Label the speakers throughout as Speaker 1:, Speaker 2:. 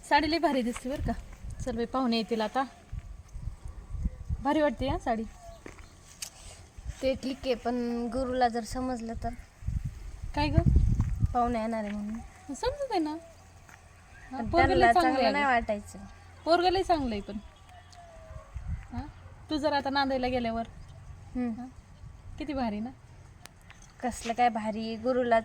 Speaker 1: साडी लई भारी दिसते बरं का. चल बाई पाहुणे येतील आता. भारी वाटते हा साडी.
Speaker 2: ते ठीक आहे, पण गुरुला जर समजलं तर
Speaker 1: काय ग
Speaker 2: पाहुणे येणार आहे म्हणून.
Speaker 1: समजत आहे ना.
Speaker 2: पण
Speaker 1: पोरगं लई
Speaker 2: त्यांना
Speaker 1: चांगलं
Speaker 2: चांगलं नाही
Speaker 1: आहे.
Speaker 2: वाटायचं.
Speaker 1: पोरगं लई चांगलं आहे पण. हा तू जर आता नांदायला गेल्यावर
Speaker 2: हम्म.
Speaker 1: किती भारी ना.
Speaker 2: कसलं काय भारी. गुरुला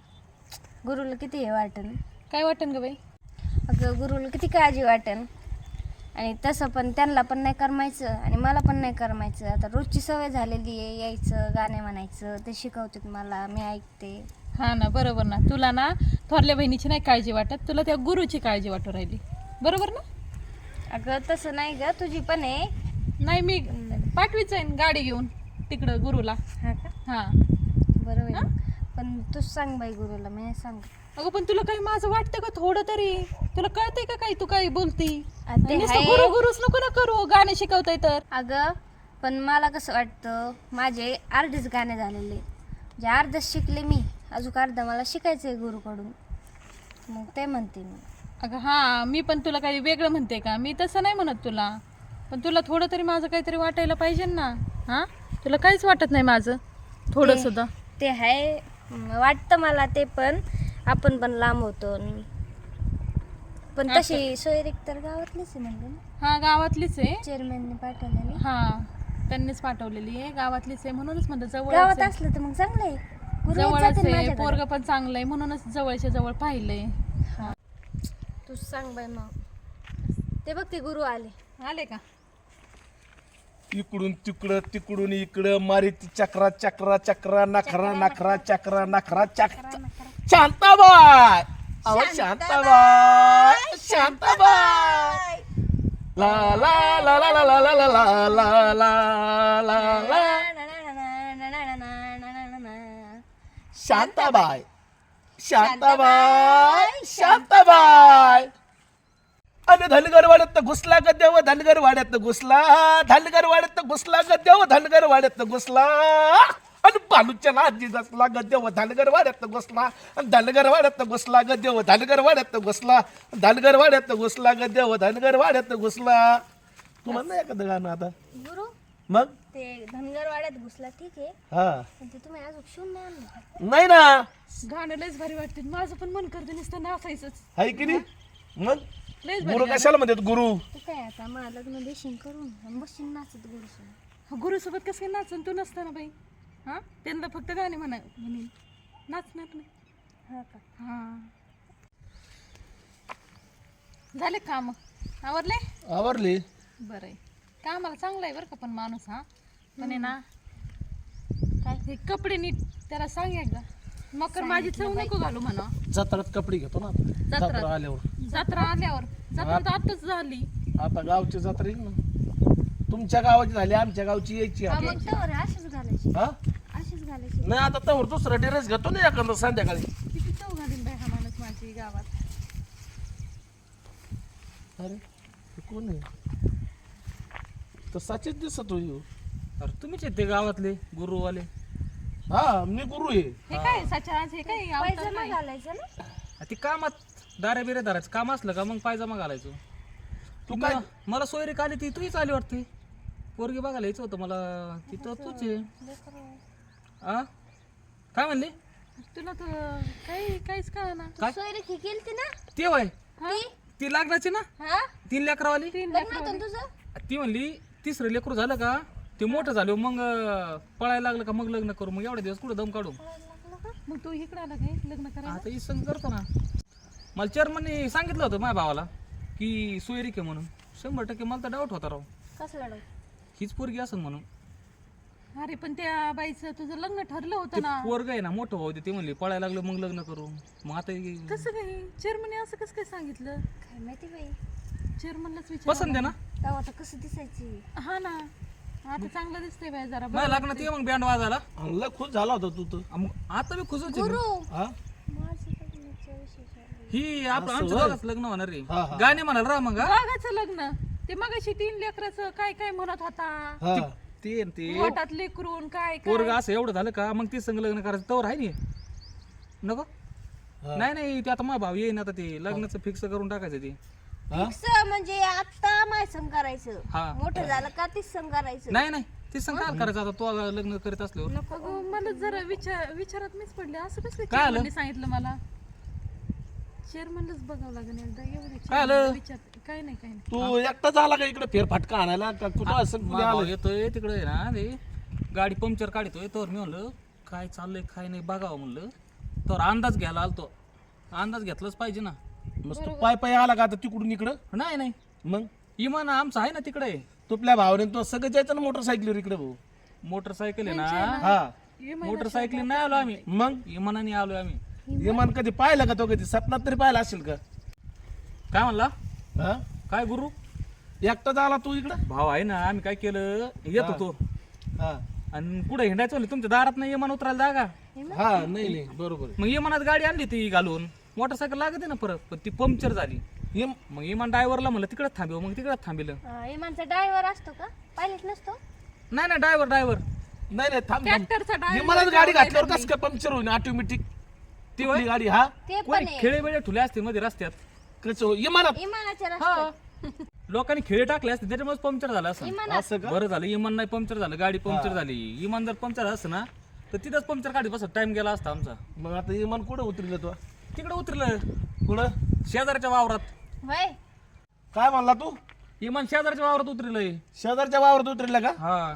Speaker 2: किती हे वाटेल.
Speaker 1: काय वाटन ग बाई.
Speaker 2: अगं गुरुला किती काळजी वाटेल. आणि तसं पण त्यांना पण नाही करमायचं आणि मला पण नाही करमायचं. आता रोजची सवय झालेली आहे, यायचं गाणे म्हणायचं, ते शिकवतात मला, मी ऐकते.
Speaker 1: हा ना बरोबर ना. तुला ना थोरल्या बहिणीची नाही काळजी वाटत, तुला त्या गुरुची काळजी वाटू राहिली. बरोबर ना.
Speaker 2: अगं तसं नाही ग, तुझी पण आहे.
Speaker 1: नाही मी पाठवीच आहे गाडी घेऊन तिकडं गुरुला.
Speaker 2: हा का.
Speaker 1: हा
Speaker 2: बरोबर आहे. पण तूच सांग बाई गुरुला, मी नाही सांग.
Speaker 1: अगं पण तुला काही माझं वाटतं का थोडं तरी. तुला कळतंय का काही तू काही बोलती.
Speaker 2: ते
Speaker 1: नुसतं
Speaker 2: आहे.
Speaker 1: गुरु गुरुच नको ना करू. गाणे शिकवताय तर.
Speaker 2: अगं पण मला कसं वाटतं, माझे अर्धेच गाणे झालेले, जे अर्धच शिकले मी, अजून अर्धा मला शिकायचं आहे गुरुकडून. मग ते म्हणते मी.
Speaker 1: अगं हा मी पण तुला काही वेगळं म्हणते का. मी तसं नाही म्हणत तुला. पण तुला थोडं तरी माझं काहीतरी वाटायला पाहिजे ना. हा तुला काहीच वाटत नाही माझं थोडं सुद्धा.
Speaker 2: ते आहे, वाटतं मला ते, पण आपण पण लांब होतो. पण तशी सोयरीक तर गावातलीच आहे म्हणलं ना.
Speaker 1: हा गावातलीच आहे.
Speaker 2: चेअरमॅनने पाठवलेली.
Speaker 1: हा त्यांनीच पाठवलेली आहे. गावातलीच आहे म्हणूनच म्हणलं जवळ
Speaker 2: गावात असलं तर मग चांगलं आहे. गुरु येत
Speaker 1: जवळच
Speaker 2: जातील
Speaker 1: आहे.
Speaker 2: माझ्याकडे.
Speaker 1: पोरग पण चांगलं आहे म्हणूनच जवळच्या जवळ पाहिलंय. हा
Speaker 2: तूच सांग बाई मग. ते बघ ते गुरु आले.
Speaker 1: आले का.
Speaker 3: इकडून तिकडं तिकडून इकडं मारिती चक्रा चक्रा चक्रा नखरा नखरा चक्रा नखरा चक्रा. शांताबाई अहो शांताबाई शांताबाई ला ला ला ला ला ला ला ला ला ला ला ला शांताबाई शांताबाई शांताबाई. अरे धनगर वाड्यात घुसला ग देव धनगर वाड्यात घुसला. धनगर वाड्यात घुसला ग देव धनगर वाड्यात घुसला. आणि बालूच्या नाजी घुसला ग देव धनगर वाड्यात घुसला. धनगर वाड्यात घुसला ग देव धनगर वाड्यात घुसला. धनगर वाड्यात घुसला ग देव धनगर वाड्यात घुसला. तू म्हण ना एखादं गाणं आता.
Speaker 2: गुरु
Speaker 3: मग
Speaker 2: ते धनगर वाड्यात घुसला ठीक आहे,
Speaker 3: हा
Speaker 2: पण ते तुम्ही अजून शिवून नाही आणलं का?
Speaker 3: नाही ना.
Speaker 1: गाणं लयच भारी वाटते. माझं पण मन करते नुसतं नाचायचंच.
Speaker 3: आहे की नाही. मग
Speaker 1: लयच
Speaker 3: गुरु कशाला म्हणतात गुरु.
Speaker 2: तू काय आता मला लग्न देशील करून आणि बसशील नाचत गुरुसोबत.
Speaker 1: गुरुसोबत कसं काय नाचन तू नसताना बाई. हा त्यांना फक्त गाणे म्हणेन नाचणार नाही.
Speaker 2: हा का.
Speaker 1: हा झाले काम आवरले.
Speaker 3: आवरली.
Speaker 1: बरं आहे. कामाला चांगला आहे बरं का पण माणूस. हा पण आहे ना काय हे कपडे नीट त्याला सांग एकदा. मकर माझी चव नको घालू म्हणा.
Speaker 3: जत्रात कपडे घेतो ना आता. जत्रा आल्यावर.
Speaker 1: जत्रा आल्यावर जत्रा तर आताच झाली.
Speaker 3: आता गावची जत्रा येईल ना. तुमच्या गावाची झाली आमच्या गावची यायची
Speaker 2: हा,
Speaker 3: आता.
Speaker 2: मग तवर अशीच घालायची.
Speaker 3: हा
Speaker 2: अशीच घालायची.
Speaker 3: नाही आता तवर दुसरा ड्रेस घेतो ना एखादा संध्याकाळी.
Speaker 1: किती चव घालीन बाई हा माणूस माझी गावात.
Speaker 3: अरे हे कोण आहे. तर सचित दिसत होई.
Speaker 4: अरे तुम्हीच आहेत ते गावातले गुरुवाले.
Speaker 3: हा मी गुरु आहे.
Speaker 1: हे काय सचाराज हे काय अवतार
Speaker 2: पायजमा
Speaker 1: नाही.
Speaker 2: घालायचं ना.
Speaker 4: ती कामात दाऱ्या बिऱ्या धरायचं काम असलं का मग पायजमा घालायचो.
Speaker 3: तू काय
Speaker 4: मला सोयरीक आली ती तूच आली वाटते. पोरगी बघायला यायचं होतं मला. तिथं तूच आहे. आ काय म्हणली.
Speaker 1: तुला तर काही काहीच कळा ना.
Speaker 4: काय
Speaker 2: सोयरीक ही केलती ना.
Speaker 4: ते वय
Speaker 2: ती
Speaker 4: ती लागण्याची ना.
Speaker 2: हा
Speaker 4: 3 लेकरावाली.
Speaker 2: लग्न होतं ना तुझं.
Speaker 4: ती म्हणली तिसरं लेकरू झालं का ते मोठं झालं मग पळायला लागलं का मग लग्न करू. मग एवढे दिवस कुठं दम काढू.
Speaker 1: मग तू इकडे आला काय लग्न करायला.
Speaker 4: आता ही संग करतो ना. मला चेअरमनने सांगितलं होतं माझ्या भावाला की सोयरीक आहे म्हणून. 100% मला तर डाऊट होता राव.
Speaker 2: कसं लढव.
Speaker 4: हीच पोरगी असेल म्हणून.
Speaker 1: अरे पण त्या बाईचं तुझं लग्न ठरलं
Speaker 4: ते
Speaker 1: होतं ना.
Speaker 4: पोरग आहे ना मोठं भाऊ ते म्हणले पळायला लागलं मग लग्न करू. मग आता
Speaker 1: कसं काय चेअरमनने असं कसं काय सांगितलं.
Speaker 2: काय माहिती बाई.
Speaker 1: चेअरमनलाच विचार.
Speaker 4: पसंत आहे ना.
Speaker 2: तेव्हा आता कसं दिसायची.
Speaker 1: हा ना आता चांगलं दिसतंय बाई जरा.
Speaker 4: माझ्या लग्नात ये मग बँड वाजायला.
Speaker 3: लय खुश झाला होता तू तर.
Speaker 4: मग आता मी खुश होते.
Speaker 2: गुरु
Speaker 3: हा
Speaker 2: माझं लग्नाच्या विषयी
Speaker 4: ही आपलं आमच्या दोघांचं लग्न होणार रे.
Speaker 3: हा, हा.
Speaker 4: गाणे म्हणाल राह मग.
Speaker 1: दोघाचं लग्न. ते मगाशी 3 लेकराचं काय काय म्हणत होता.
Speaker 3: हा
Speaker 4: ते न ते
Speaker 1: पोटात लेकरून काय काय.
Speaker 4: पोरग असं एवढं झालं का मग ती संग लग्न करायचं तवर आहे नको. नाही नाही ते आता माझा भाऊ येईन आता ते लग्नाचं फिक्स करून टाकायचं ते.
Speaker 2: फिक्स म्हणजे आता माय संग करायचं
Speaker 4: हा.
Speaker 2: मोठं झालं का तीच संग करायचं
Speaker 4: नाही नाही ते सांग काय करायचं आता तू लग्न करीत असल्यावर
Speaker 1: अगं, मला जरा विचारात मीच पडले असं कसं
Speaker 4: काय आलं?
Speaker 1: चेअरमनने सांगितलं मला चेअरमनलाच बघावं लागेल एकदा एवढे
Speaker 4: काय आलं?
Speaker 1: chairman विचार काय नाही
Speaker 3: तू एकटा झाला का इकडे फेरफटका आणायला का कुठं असं कुणी
Speaker 4: भाऊ
Speaker 3: आलं?
Speaker 4: येतोय तिकडे आहे ना ते गाडी पंक्चर काढतोय तर मी म्हणलं काय चाललंय काय नाही बघावं म्हणलं तर अंदाज घ्यायला आलतो अंदाज घेतलाच पाहिजे ना
Speaker 3: मस्त पाय पाय आला का आता तिकडून इकडं
Speaker 4: नाही नाही
Speaker 3: मग
Speaker 4: इमान आमचं आहे ना तिकडे
Speaker 3: तुपल्या भावाने तो सगळं जायचं ना मोटरसायकलीवर इकडे भाऊ
Speaker 4: मोटरसायकल आहे ना
Speaker 3: हा
Speaker 4: मोटरसायकल नाही आलो आम्ही
Speaker 3: मग
Speaker 4: इमानाने आलोय आम्ही
Speaker 3: विमान कधी पाहिलं का तो कधी सपनात तरी पाहिला असेल का
Speaker 4: काय म्हणला
Speaker 3: हा
Speaker 4: काय गुरु
Speaker 3: एकटा झाला तू इकडं
Speaker 4: भाव आहे ना आम्ही काय केलं येत होतो
Speaker 3: हा
Speaker 4: आणि पुढे हिंडायचं म्हणलं तुमच्या दारात नाही इमान उतरायला जागा
Speaker 3: हा नाही नाही बरोबर
Speaker 4: मग इमानात गाडी आणली ती घालून मोटरसायकल लागते ना परत पण ती पंक्चर झाली
Speaker 3: ये-
Speaker 4: मग इमान ड्रायव्हरला म्हणलं तिकडे थांबव मग तिकडे थांबिलं
Speaker 2: इमानचा ड्रायव्हर असतो का पायलट नसतो
Speaker 4: नाही नाही ड्रायव्हर ड्रायव्हर
Speaker 3: नाही नाही थांब
Speaker 1: ट्रॅक्टरचा
Speaker 3: विमानात गाडी घातल्यावर कसं काय पंक्चर होईल ऑटोमॅटिक ती वाली गाडी हा
Speaker 2: ते
Speaker 4: कोणी
Speaker 2: पण आहे
Speaker 4: खेळे वेळे ठुले असते मध्ये रस्त्यात
Speaker 3: कसं विमानात
Speaker 2: इमानाच्या
Speaker 4: हा
Speaker 2: रस्त्यात
Speaker 4: लोकांनी खेळे टाकले असते त्याच्यामुळे पंक्चर झालं असं
Speaker 2: इमानात
Speaker 3: असं का
Speaker 4: बरं झालं इमान नाही पंक्चर झालं गाडी पंक्चर झाली इमान जर पंक्चर असतं ना तर तिथंच पंक्चर काढी बस टाइम गेला असता आमचा
Speaker 3: मग आता विमान कुठं उतरलं तू
Speaker 4: तिकडे उतरलं
Speaker 3: कुठं
Speaker 4: शेजारच्या वावरात
Speaker 2: होय
Speaker 3: काय म्हणला तू
Speaker 4: इमान शेजारच्या वावरात उतरलंय
Speaker 3: शेजारच्या वावरात उतरला का
Speaker 4: हा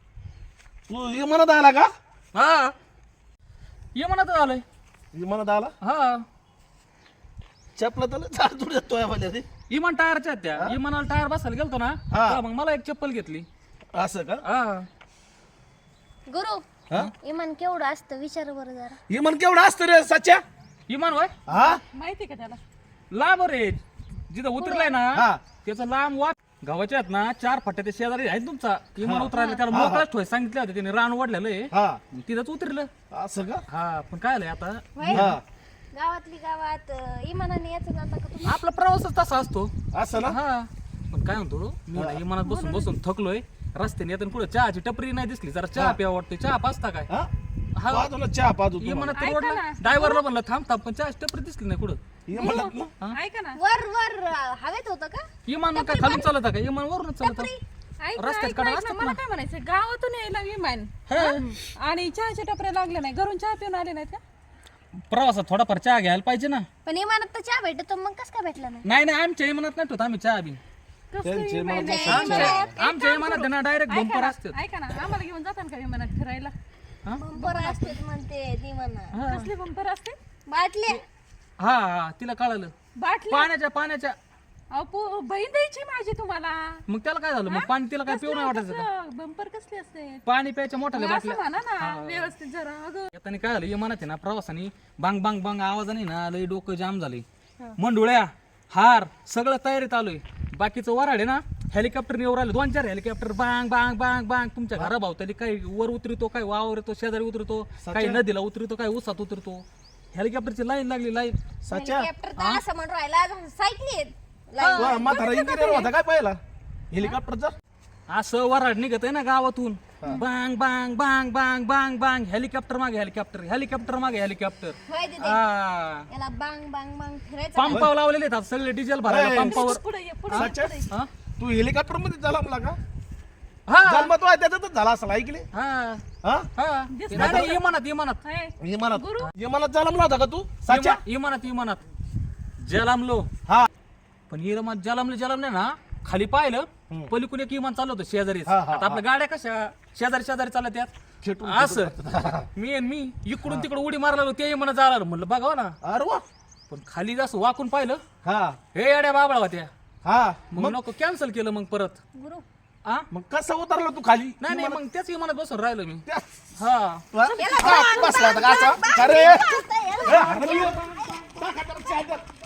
Speaker 3: तू विमानात आला का
Speaker 4: हा इमानात आलोय
Speaker 3: विमानात आला
Speaker 4: हा
Speaker 3: चपला तर चार तुड येतोय मला ते
Speaker 4: इमान टायरच्या आहेत त्या इमानाला टायर बसायला गेलतो ना
Speaker 3: हा.
Speaker 4: तेव्हा मग मला एक चप्पल घेतली
Speaker 3: असं का
Speaker 4: हा
Speaker 2: गुरु
Speaker 3: हा
Speaker 2: इमान केवढं असतं विचार बरं जरा
Speaker 3: विमान केवढं असतं रे सच्या
Speaker 4: इमान वय
Speaker 3: हा
Speaker 1: माहिती का त्याला
Speaker 4: लांब रे जिथं उतरलाय ना
Speaker 3: हा
Speaker 4: त्याचा लांब वाट गावाच्या आहेत ना 4 फट्या ते शेजारी आहे तुमचा इमान उतरायला त्याला मोकळाच ठोय सांगितले होते त्याने रान वाढलेलं आहे
Speaker 3: हा
Speaker 4: तिथंच उतरलं
Speaker 3: असं का
Speaker 4: हा पण काय आलंय आता
Speaker 3: हा
Speaker 2: गावातली गावात इमानाने याचं जाता का तुम्ही
Speaker 4: आपला प्रवासच तसा असतो
Speaker 3: असं ना
Speaker 4: हा पण काय म्हणतो मी ना इमानात बसून बसून थकलोय रस्त्याने येताना पुढे चहाची टपरी नाही दिसली जरा चहा प्यावा वाटतोय चहा पाचता काय
Speaker 3: हा
Speaker 4: हा
Speaker 3: पाहतो चहा पाहतो तू
Speaker 4: इमानात रोडला ड्रायव्हरला म्हणलं थांब थांब पण चहाची टपरी दिसली नाही कुठं
Speaker 3: विमानात ना
Speaker 1: ऐका ना
Speaker 2: वर वर हवेत होतं का
Speaker 4: इमान काय खालून चालत का इमान वरून चालत
Speaker 1: ऐक
Speaker 4: रस्त्यात
Speaker 1: ऐक
Speaker 4: कडा
Speaker 1: ऐक ना,
Speaker 4: असतात
Speaker 1: मला काय म्हणायचं गावातून यायला विमान आणि चहाच्या टपऱ्या लागल्या नाही घरून चहा पिऊन आले नाहीत का
Speaker 4: प्रवासात थोडाफार चहा घ्यायला पाहिजे ना
Speaker 2: पण इमानात तर चहा भेटतो मग कस काय भेटला नाही
Speaker 4: नाही नाही आमच्या इमानात नाही ठेवत आम्ही चहा बी
Speaker 3: त्यांचे विमान
Speaker 4: आमच्या इमानात ना डायरेक्ट
Speaker 1: ऐका
Speaker 4: बंपर
Speaker 1: ना,
Speaker 4: असतात
Speaker 1: ऐका ना आम्हाला घेऊन जातात का विमानात फिरायला
Speaker 2: बंपर असते म्हणते इमानात
Speaker 1: कसले बंपर असते
Speaker 2: बाटल्या
Speaker 4: हा हा तिला कळालं
Speaker 1: बाटली
Speaker 4: पाण्याच्या
Speaker 1: अहो बहीण द्यायची माझी तुम्हाला
Speaker 4: मग त्याला काय झालं मग पाणी तिला काय पिऊ नाही वाटायचं का
Speaker 1: बंपर कसले असते
Speaker 4: पाणी प्यायच्या मोठ्या
Speaker 1: असं
Speaker 4: बाटल्या
Speaker 1: म्हणा ना व्यवस्थित जरा अगं
Speaker 4: येताना काय झालं इमानात आहे ना प्रवासाने बांग बांग बांग आवाजाने ना लई डोकं जाम झाले मंडुळ्या हार सगळं तयारीत आलोय बाकीचं वराड आहे ना हेलिकॉप्टर येऊ राहिले 2-4 हेलिकॉप्टर बांग बांग बांग बांग तुमच्या घराभावताली काही वर उतरतो काय वावर येतो शेजारी उतरतो काही नदीला उतरतो काही उसात उतरतो हेलिकॉप्टरची लाईन लागली लाईन
Speaker 3: सच्या
Speaker 2: हेलिकॉप्टर तर असं म्हणून राहिला सायकली आहेत
Speaker 3: तू म्हातारा इंजिनियर होता काय पाहिला हेलिकॉप्टरचा
Speaker 4: असं वराड निघत आहे ना गावातून बांग बांग बांग बांग बांग बांग हेलिकॉप्टर मागे हेलिकॉप्टर हेलिकॉप्टर मागे हेलिकॉप्टर
Speaker 2: होय दीदी
Speaker 4: हा
Speaker 2: याला बांग बांग बांग फिरायचं
Speaker 4: पंपावर लावलेले आहेत आता सगळे डिझेल भरायला पंपावर
Speaker 1: पुढे ये पुढे
Speaker 3: सच्या
Speaker 4: हा?
Speaker 3: तू हेलिकॉप्टर मध्ये झाला मला का
Speaker 4: हा
Speaker 3: जन्म तो आहे त्याच्यातच झाला असला ऐकले
Speaker 4: हा
Speaker 3: हा
Speaker 4: हा नाही, नाही, इमानात इमानात
Speaker 3: विमानात विमानात झाला म्हणला होता का तू सच्या
Speaker 4: इमानात इमानात जलामलो
Speaker 3: हा
Speaker 4: पण इमानात जलामले ना खाली पाहिलं पलीकडून एक इमान चाललं होतं शेजारी
Speaker 3: हा, हा,
Speaker 4: आता आपल्या गाड्या कशा शेजारी शेजारी चालत यात
Speaker 3: खेटून
Speaker 4: असं मी इकडून तिकडे उडी मारला ते इमानात जाणार म्हणलं बघा ना
Speaker 3: अरे वा
Speaker 4: पण खाली जसं वाकून पाहिलं
Speaker 3: हा
Speaker 4: हे येड्या बाबळा होत्या
Speaker 3: हा
Speaker 4: मग नको कॅन्सल केलं मग परत
Speaker 2: गुरु
Speaker 4: आ
Speaker 3: मग कसं उतरला तू खाली
Speaker 4: नाही नाही मग त्याच इमानात बसून राहिलो मी
Speaker 3: त्या-
Speaker 4: हा
Speaker 3: हा? बसला होता का असा? अरे ए, हरवली. टाका त्याला चादर.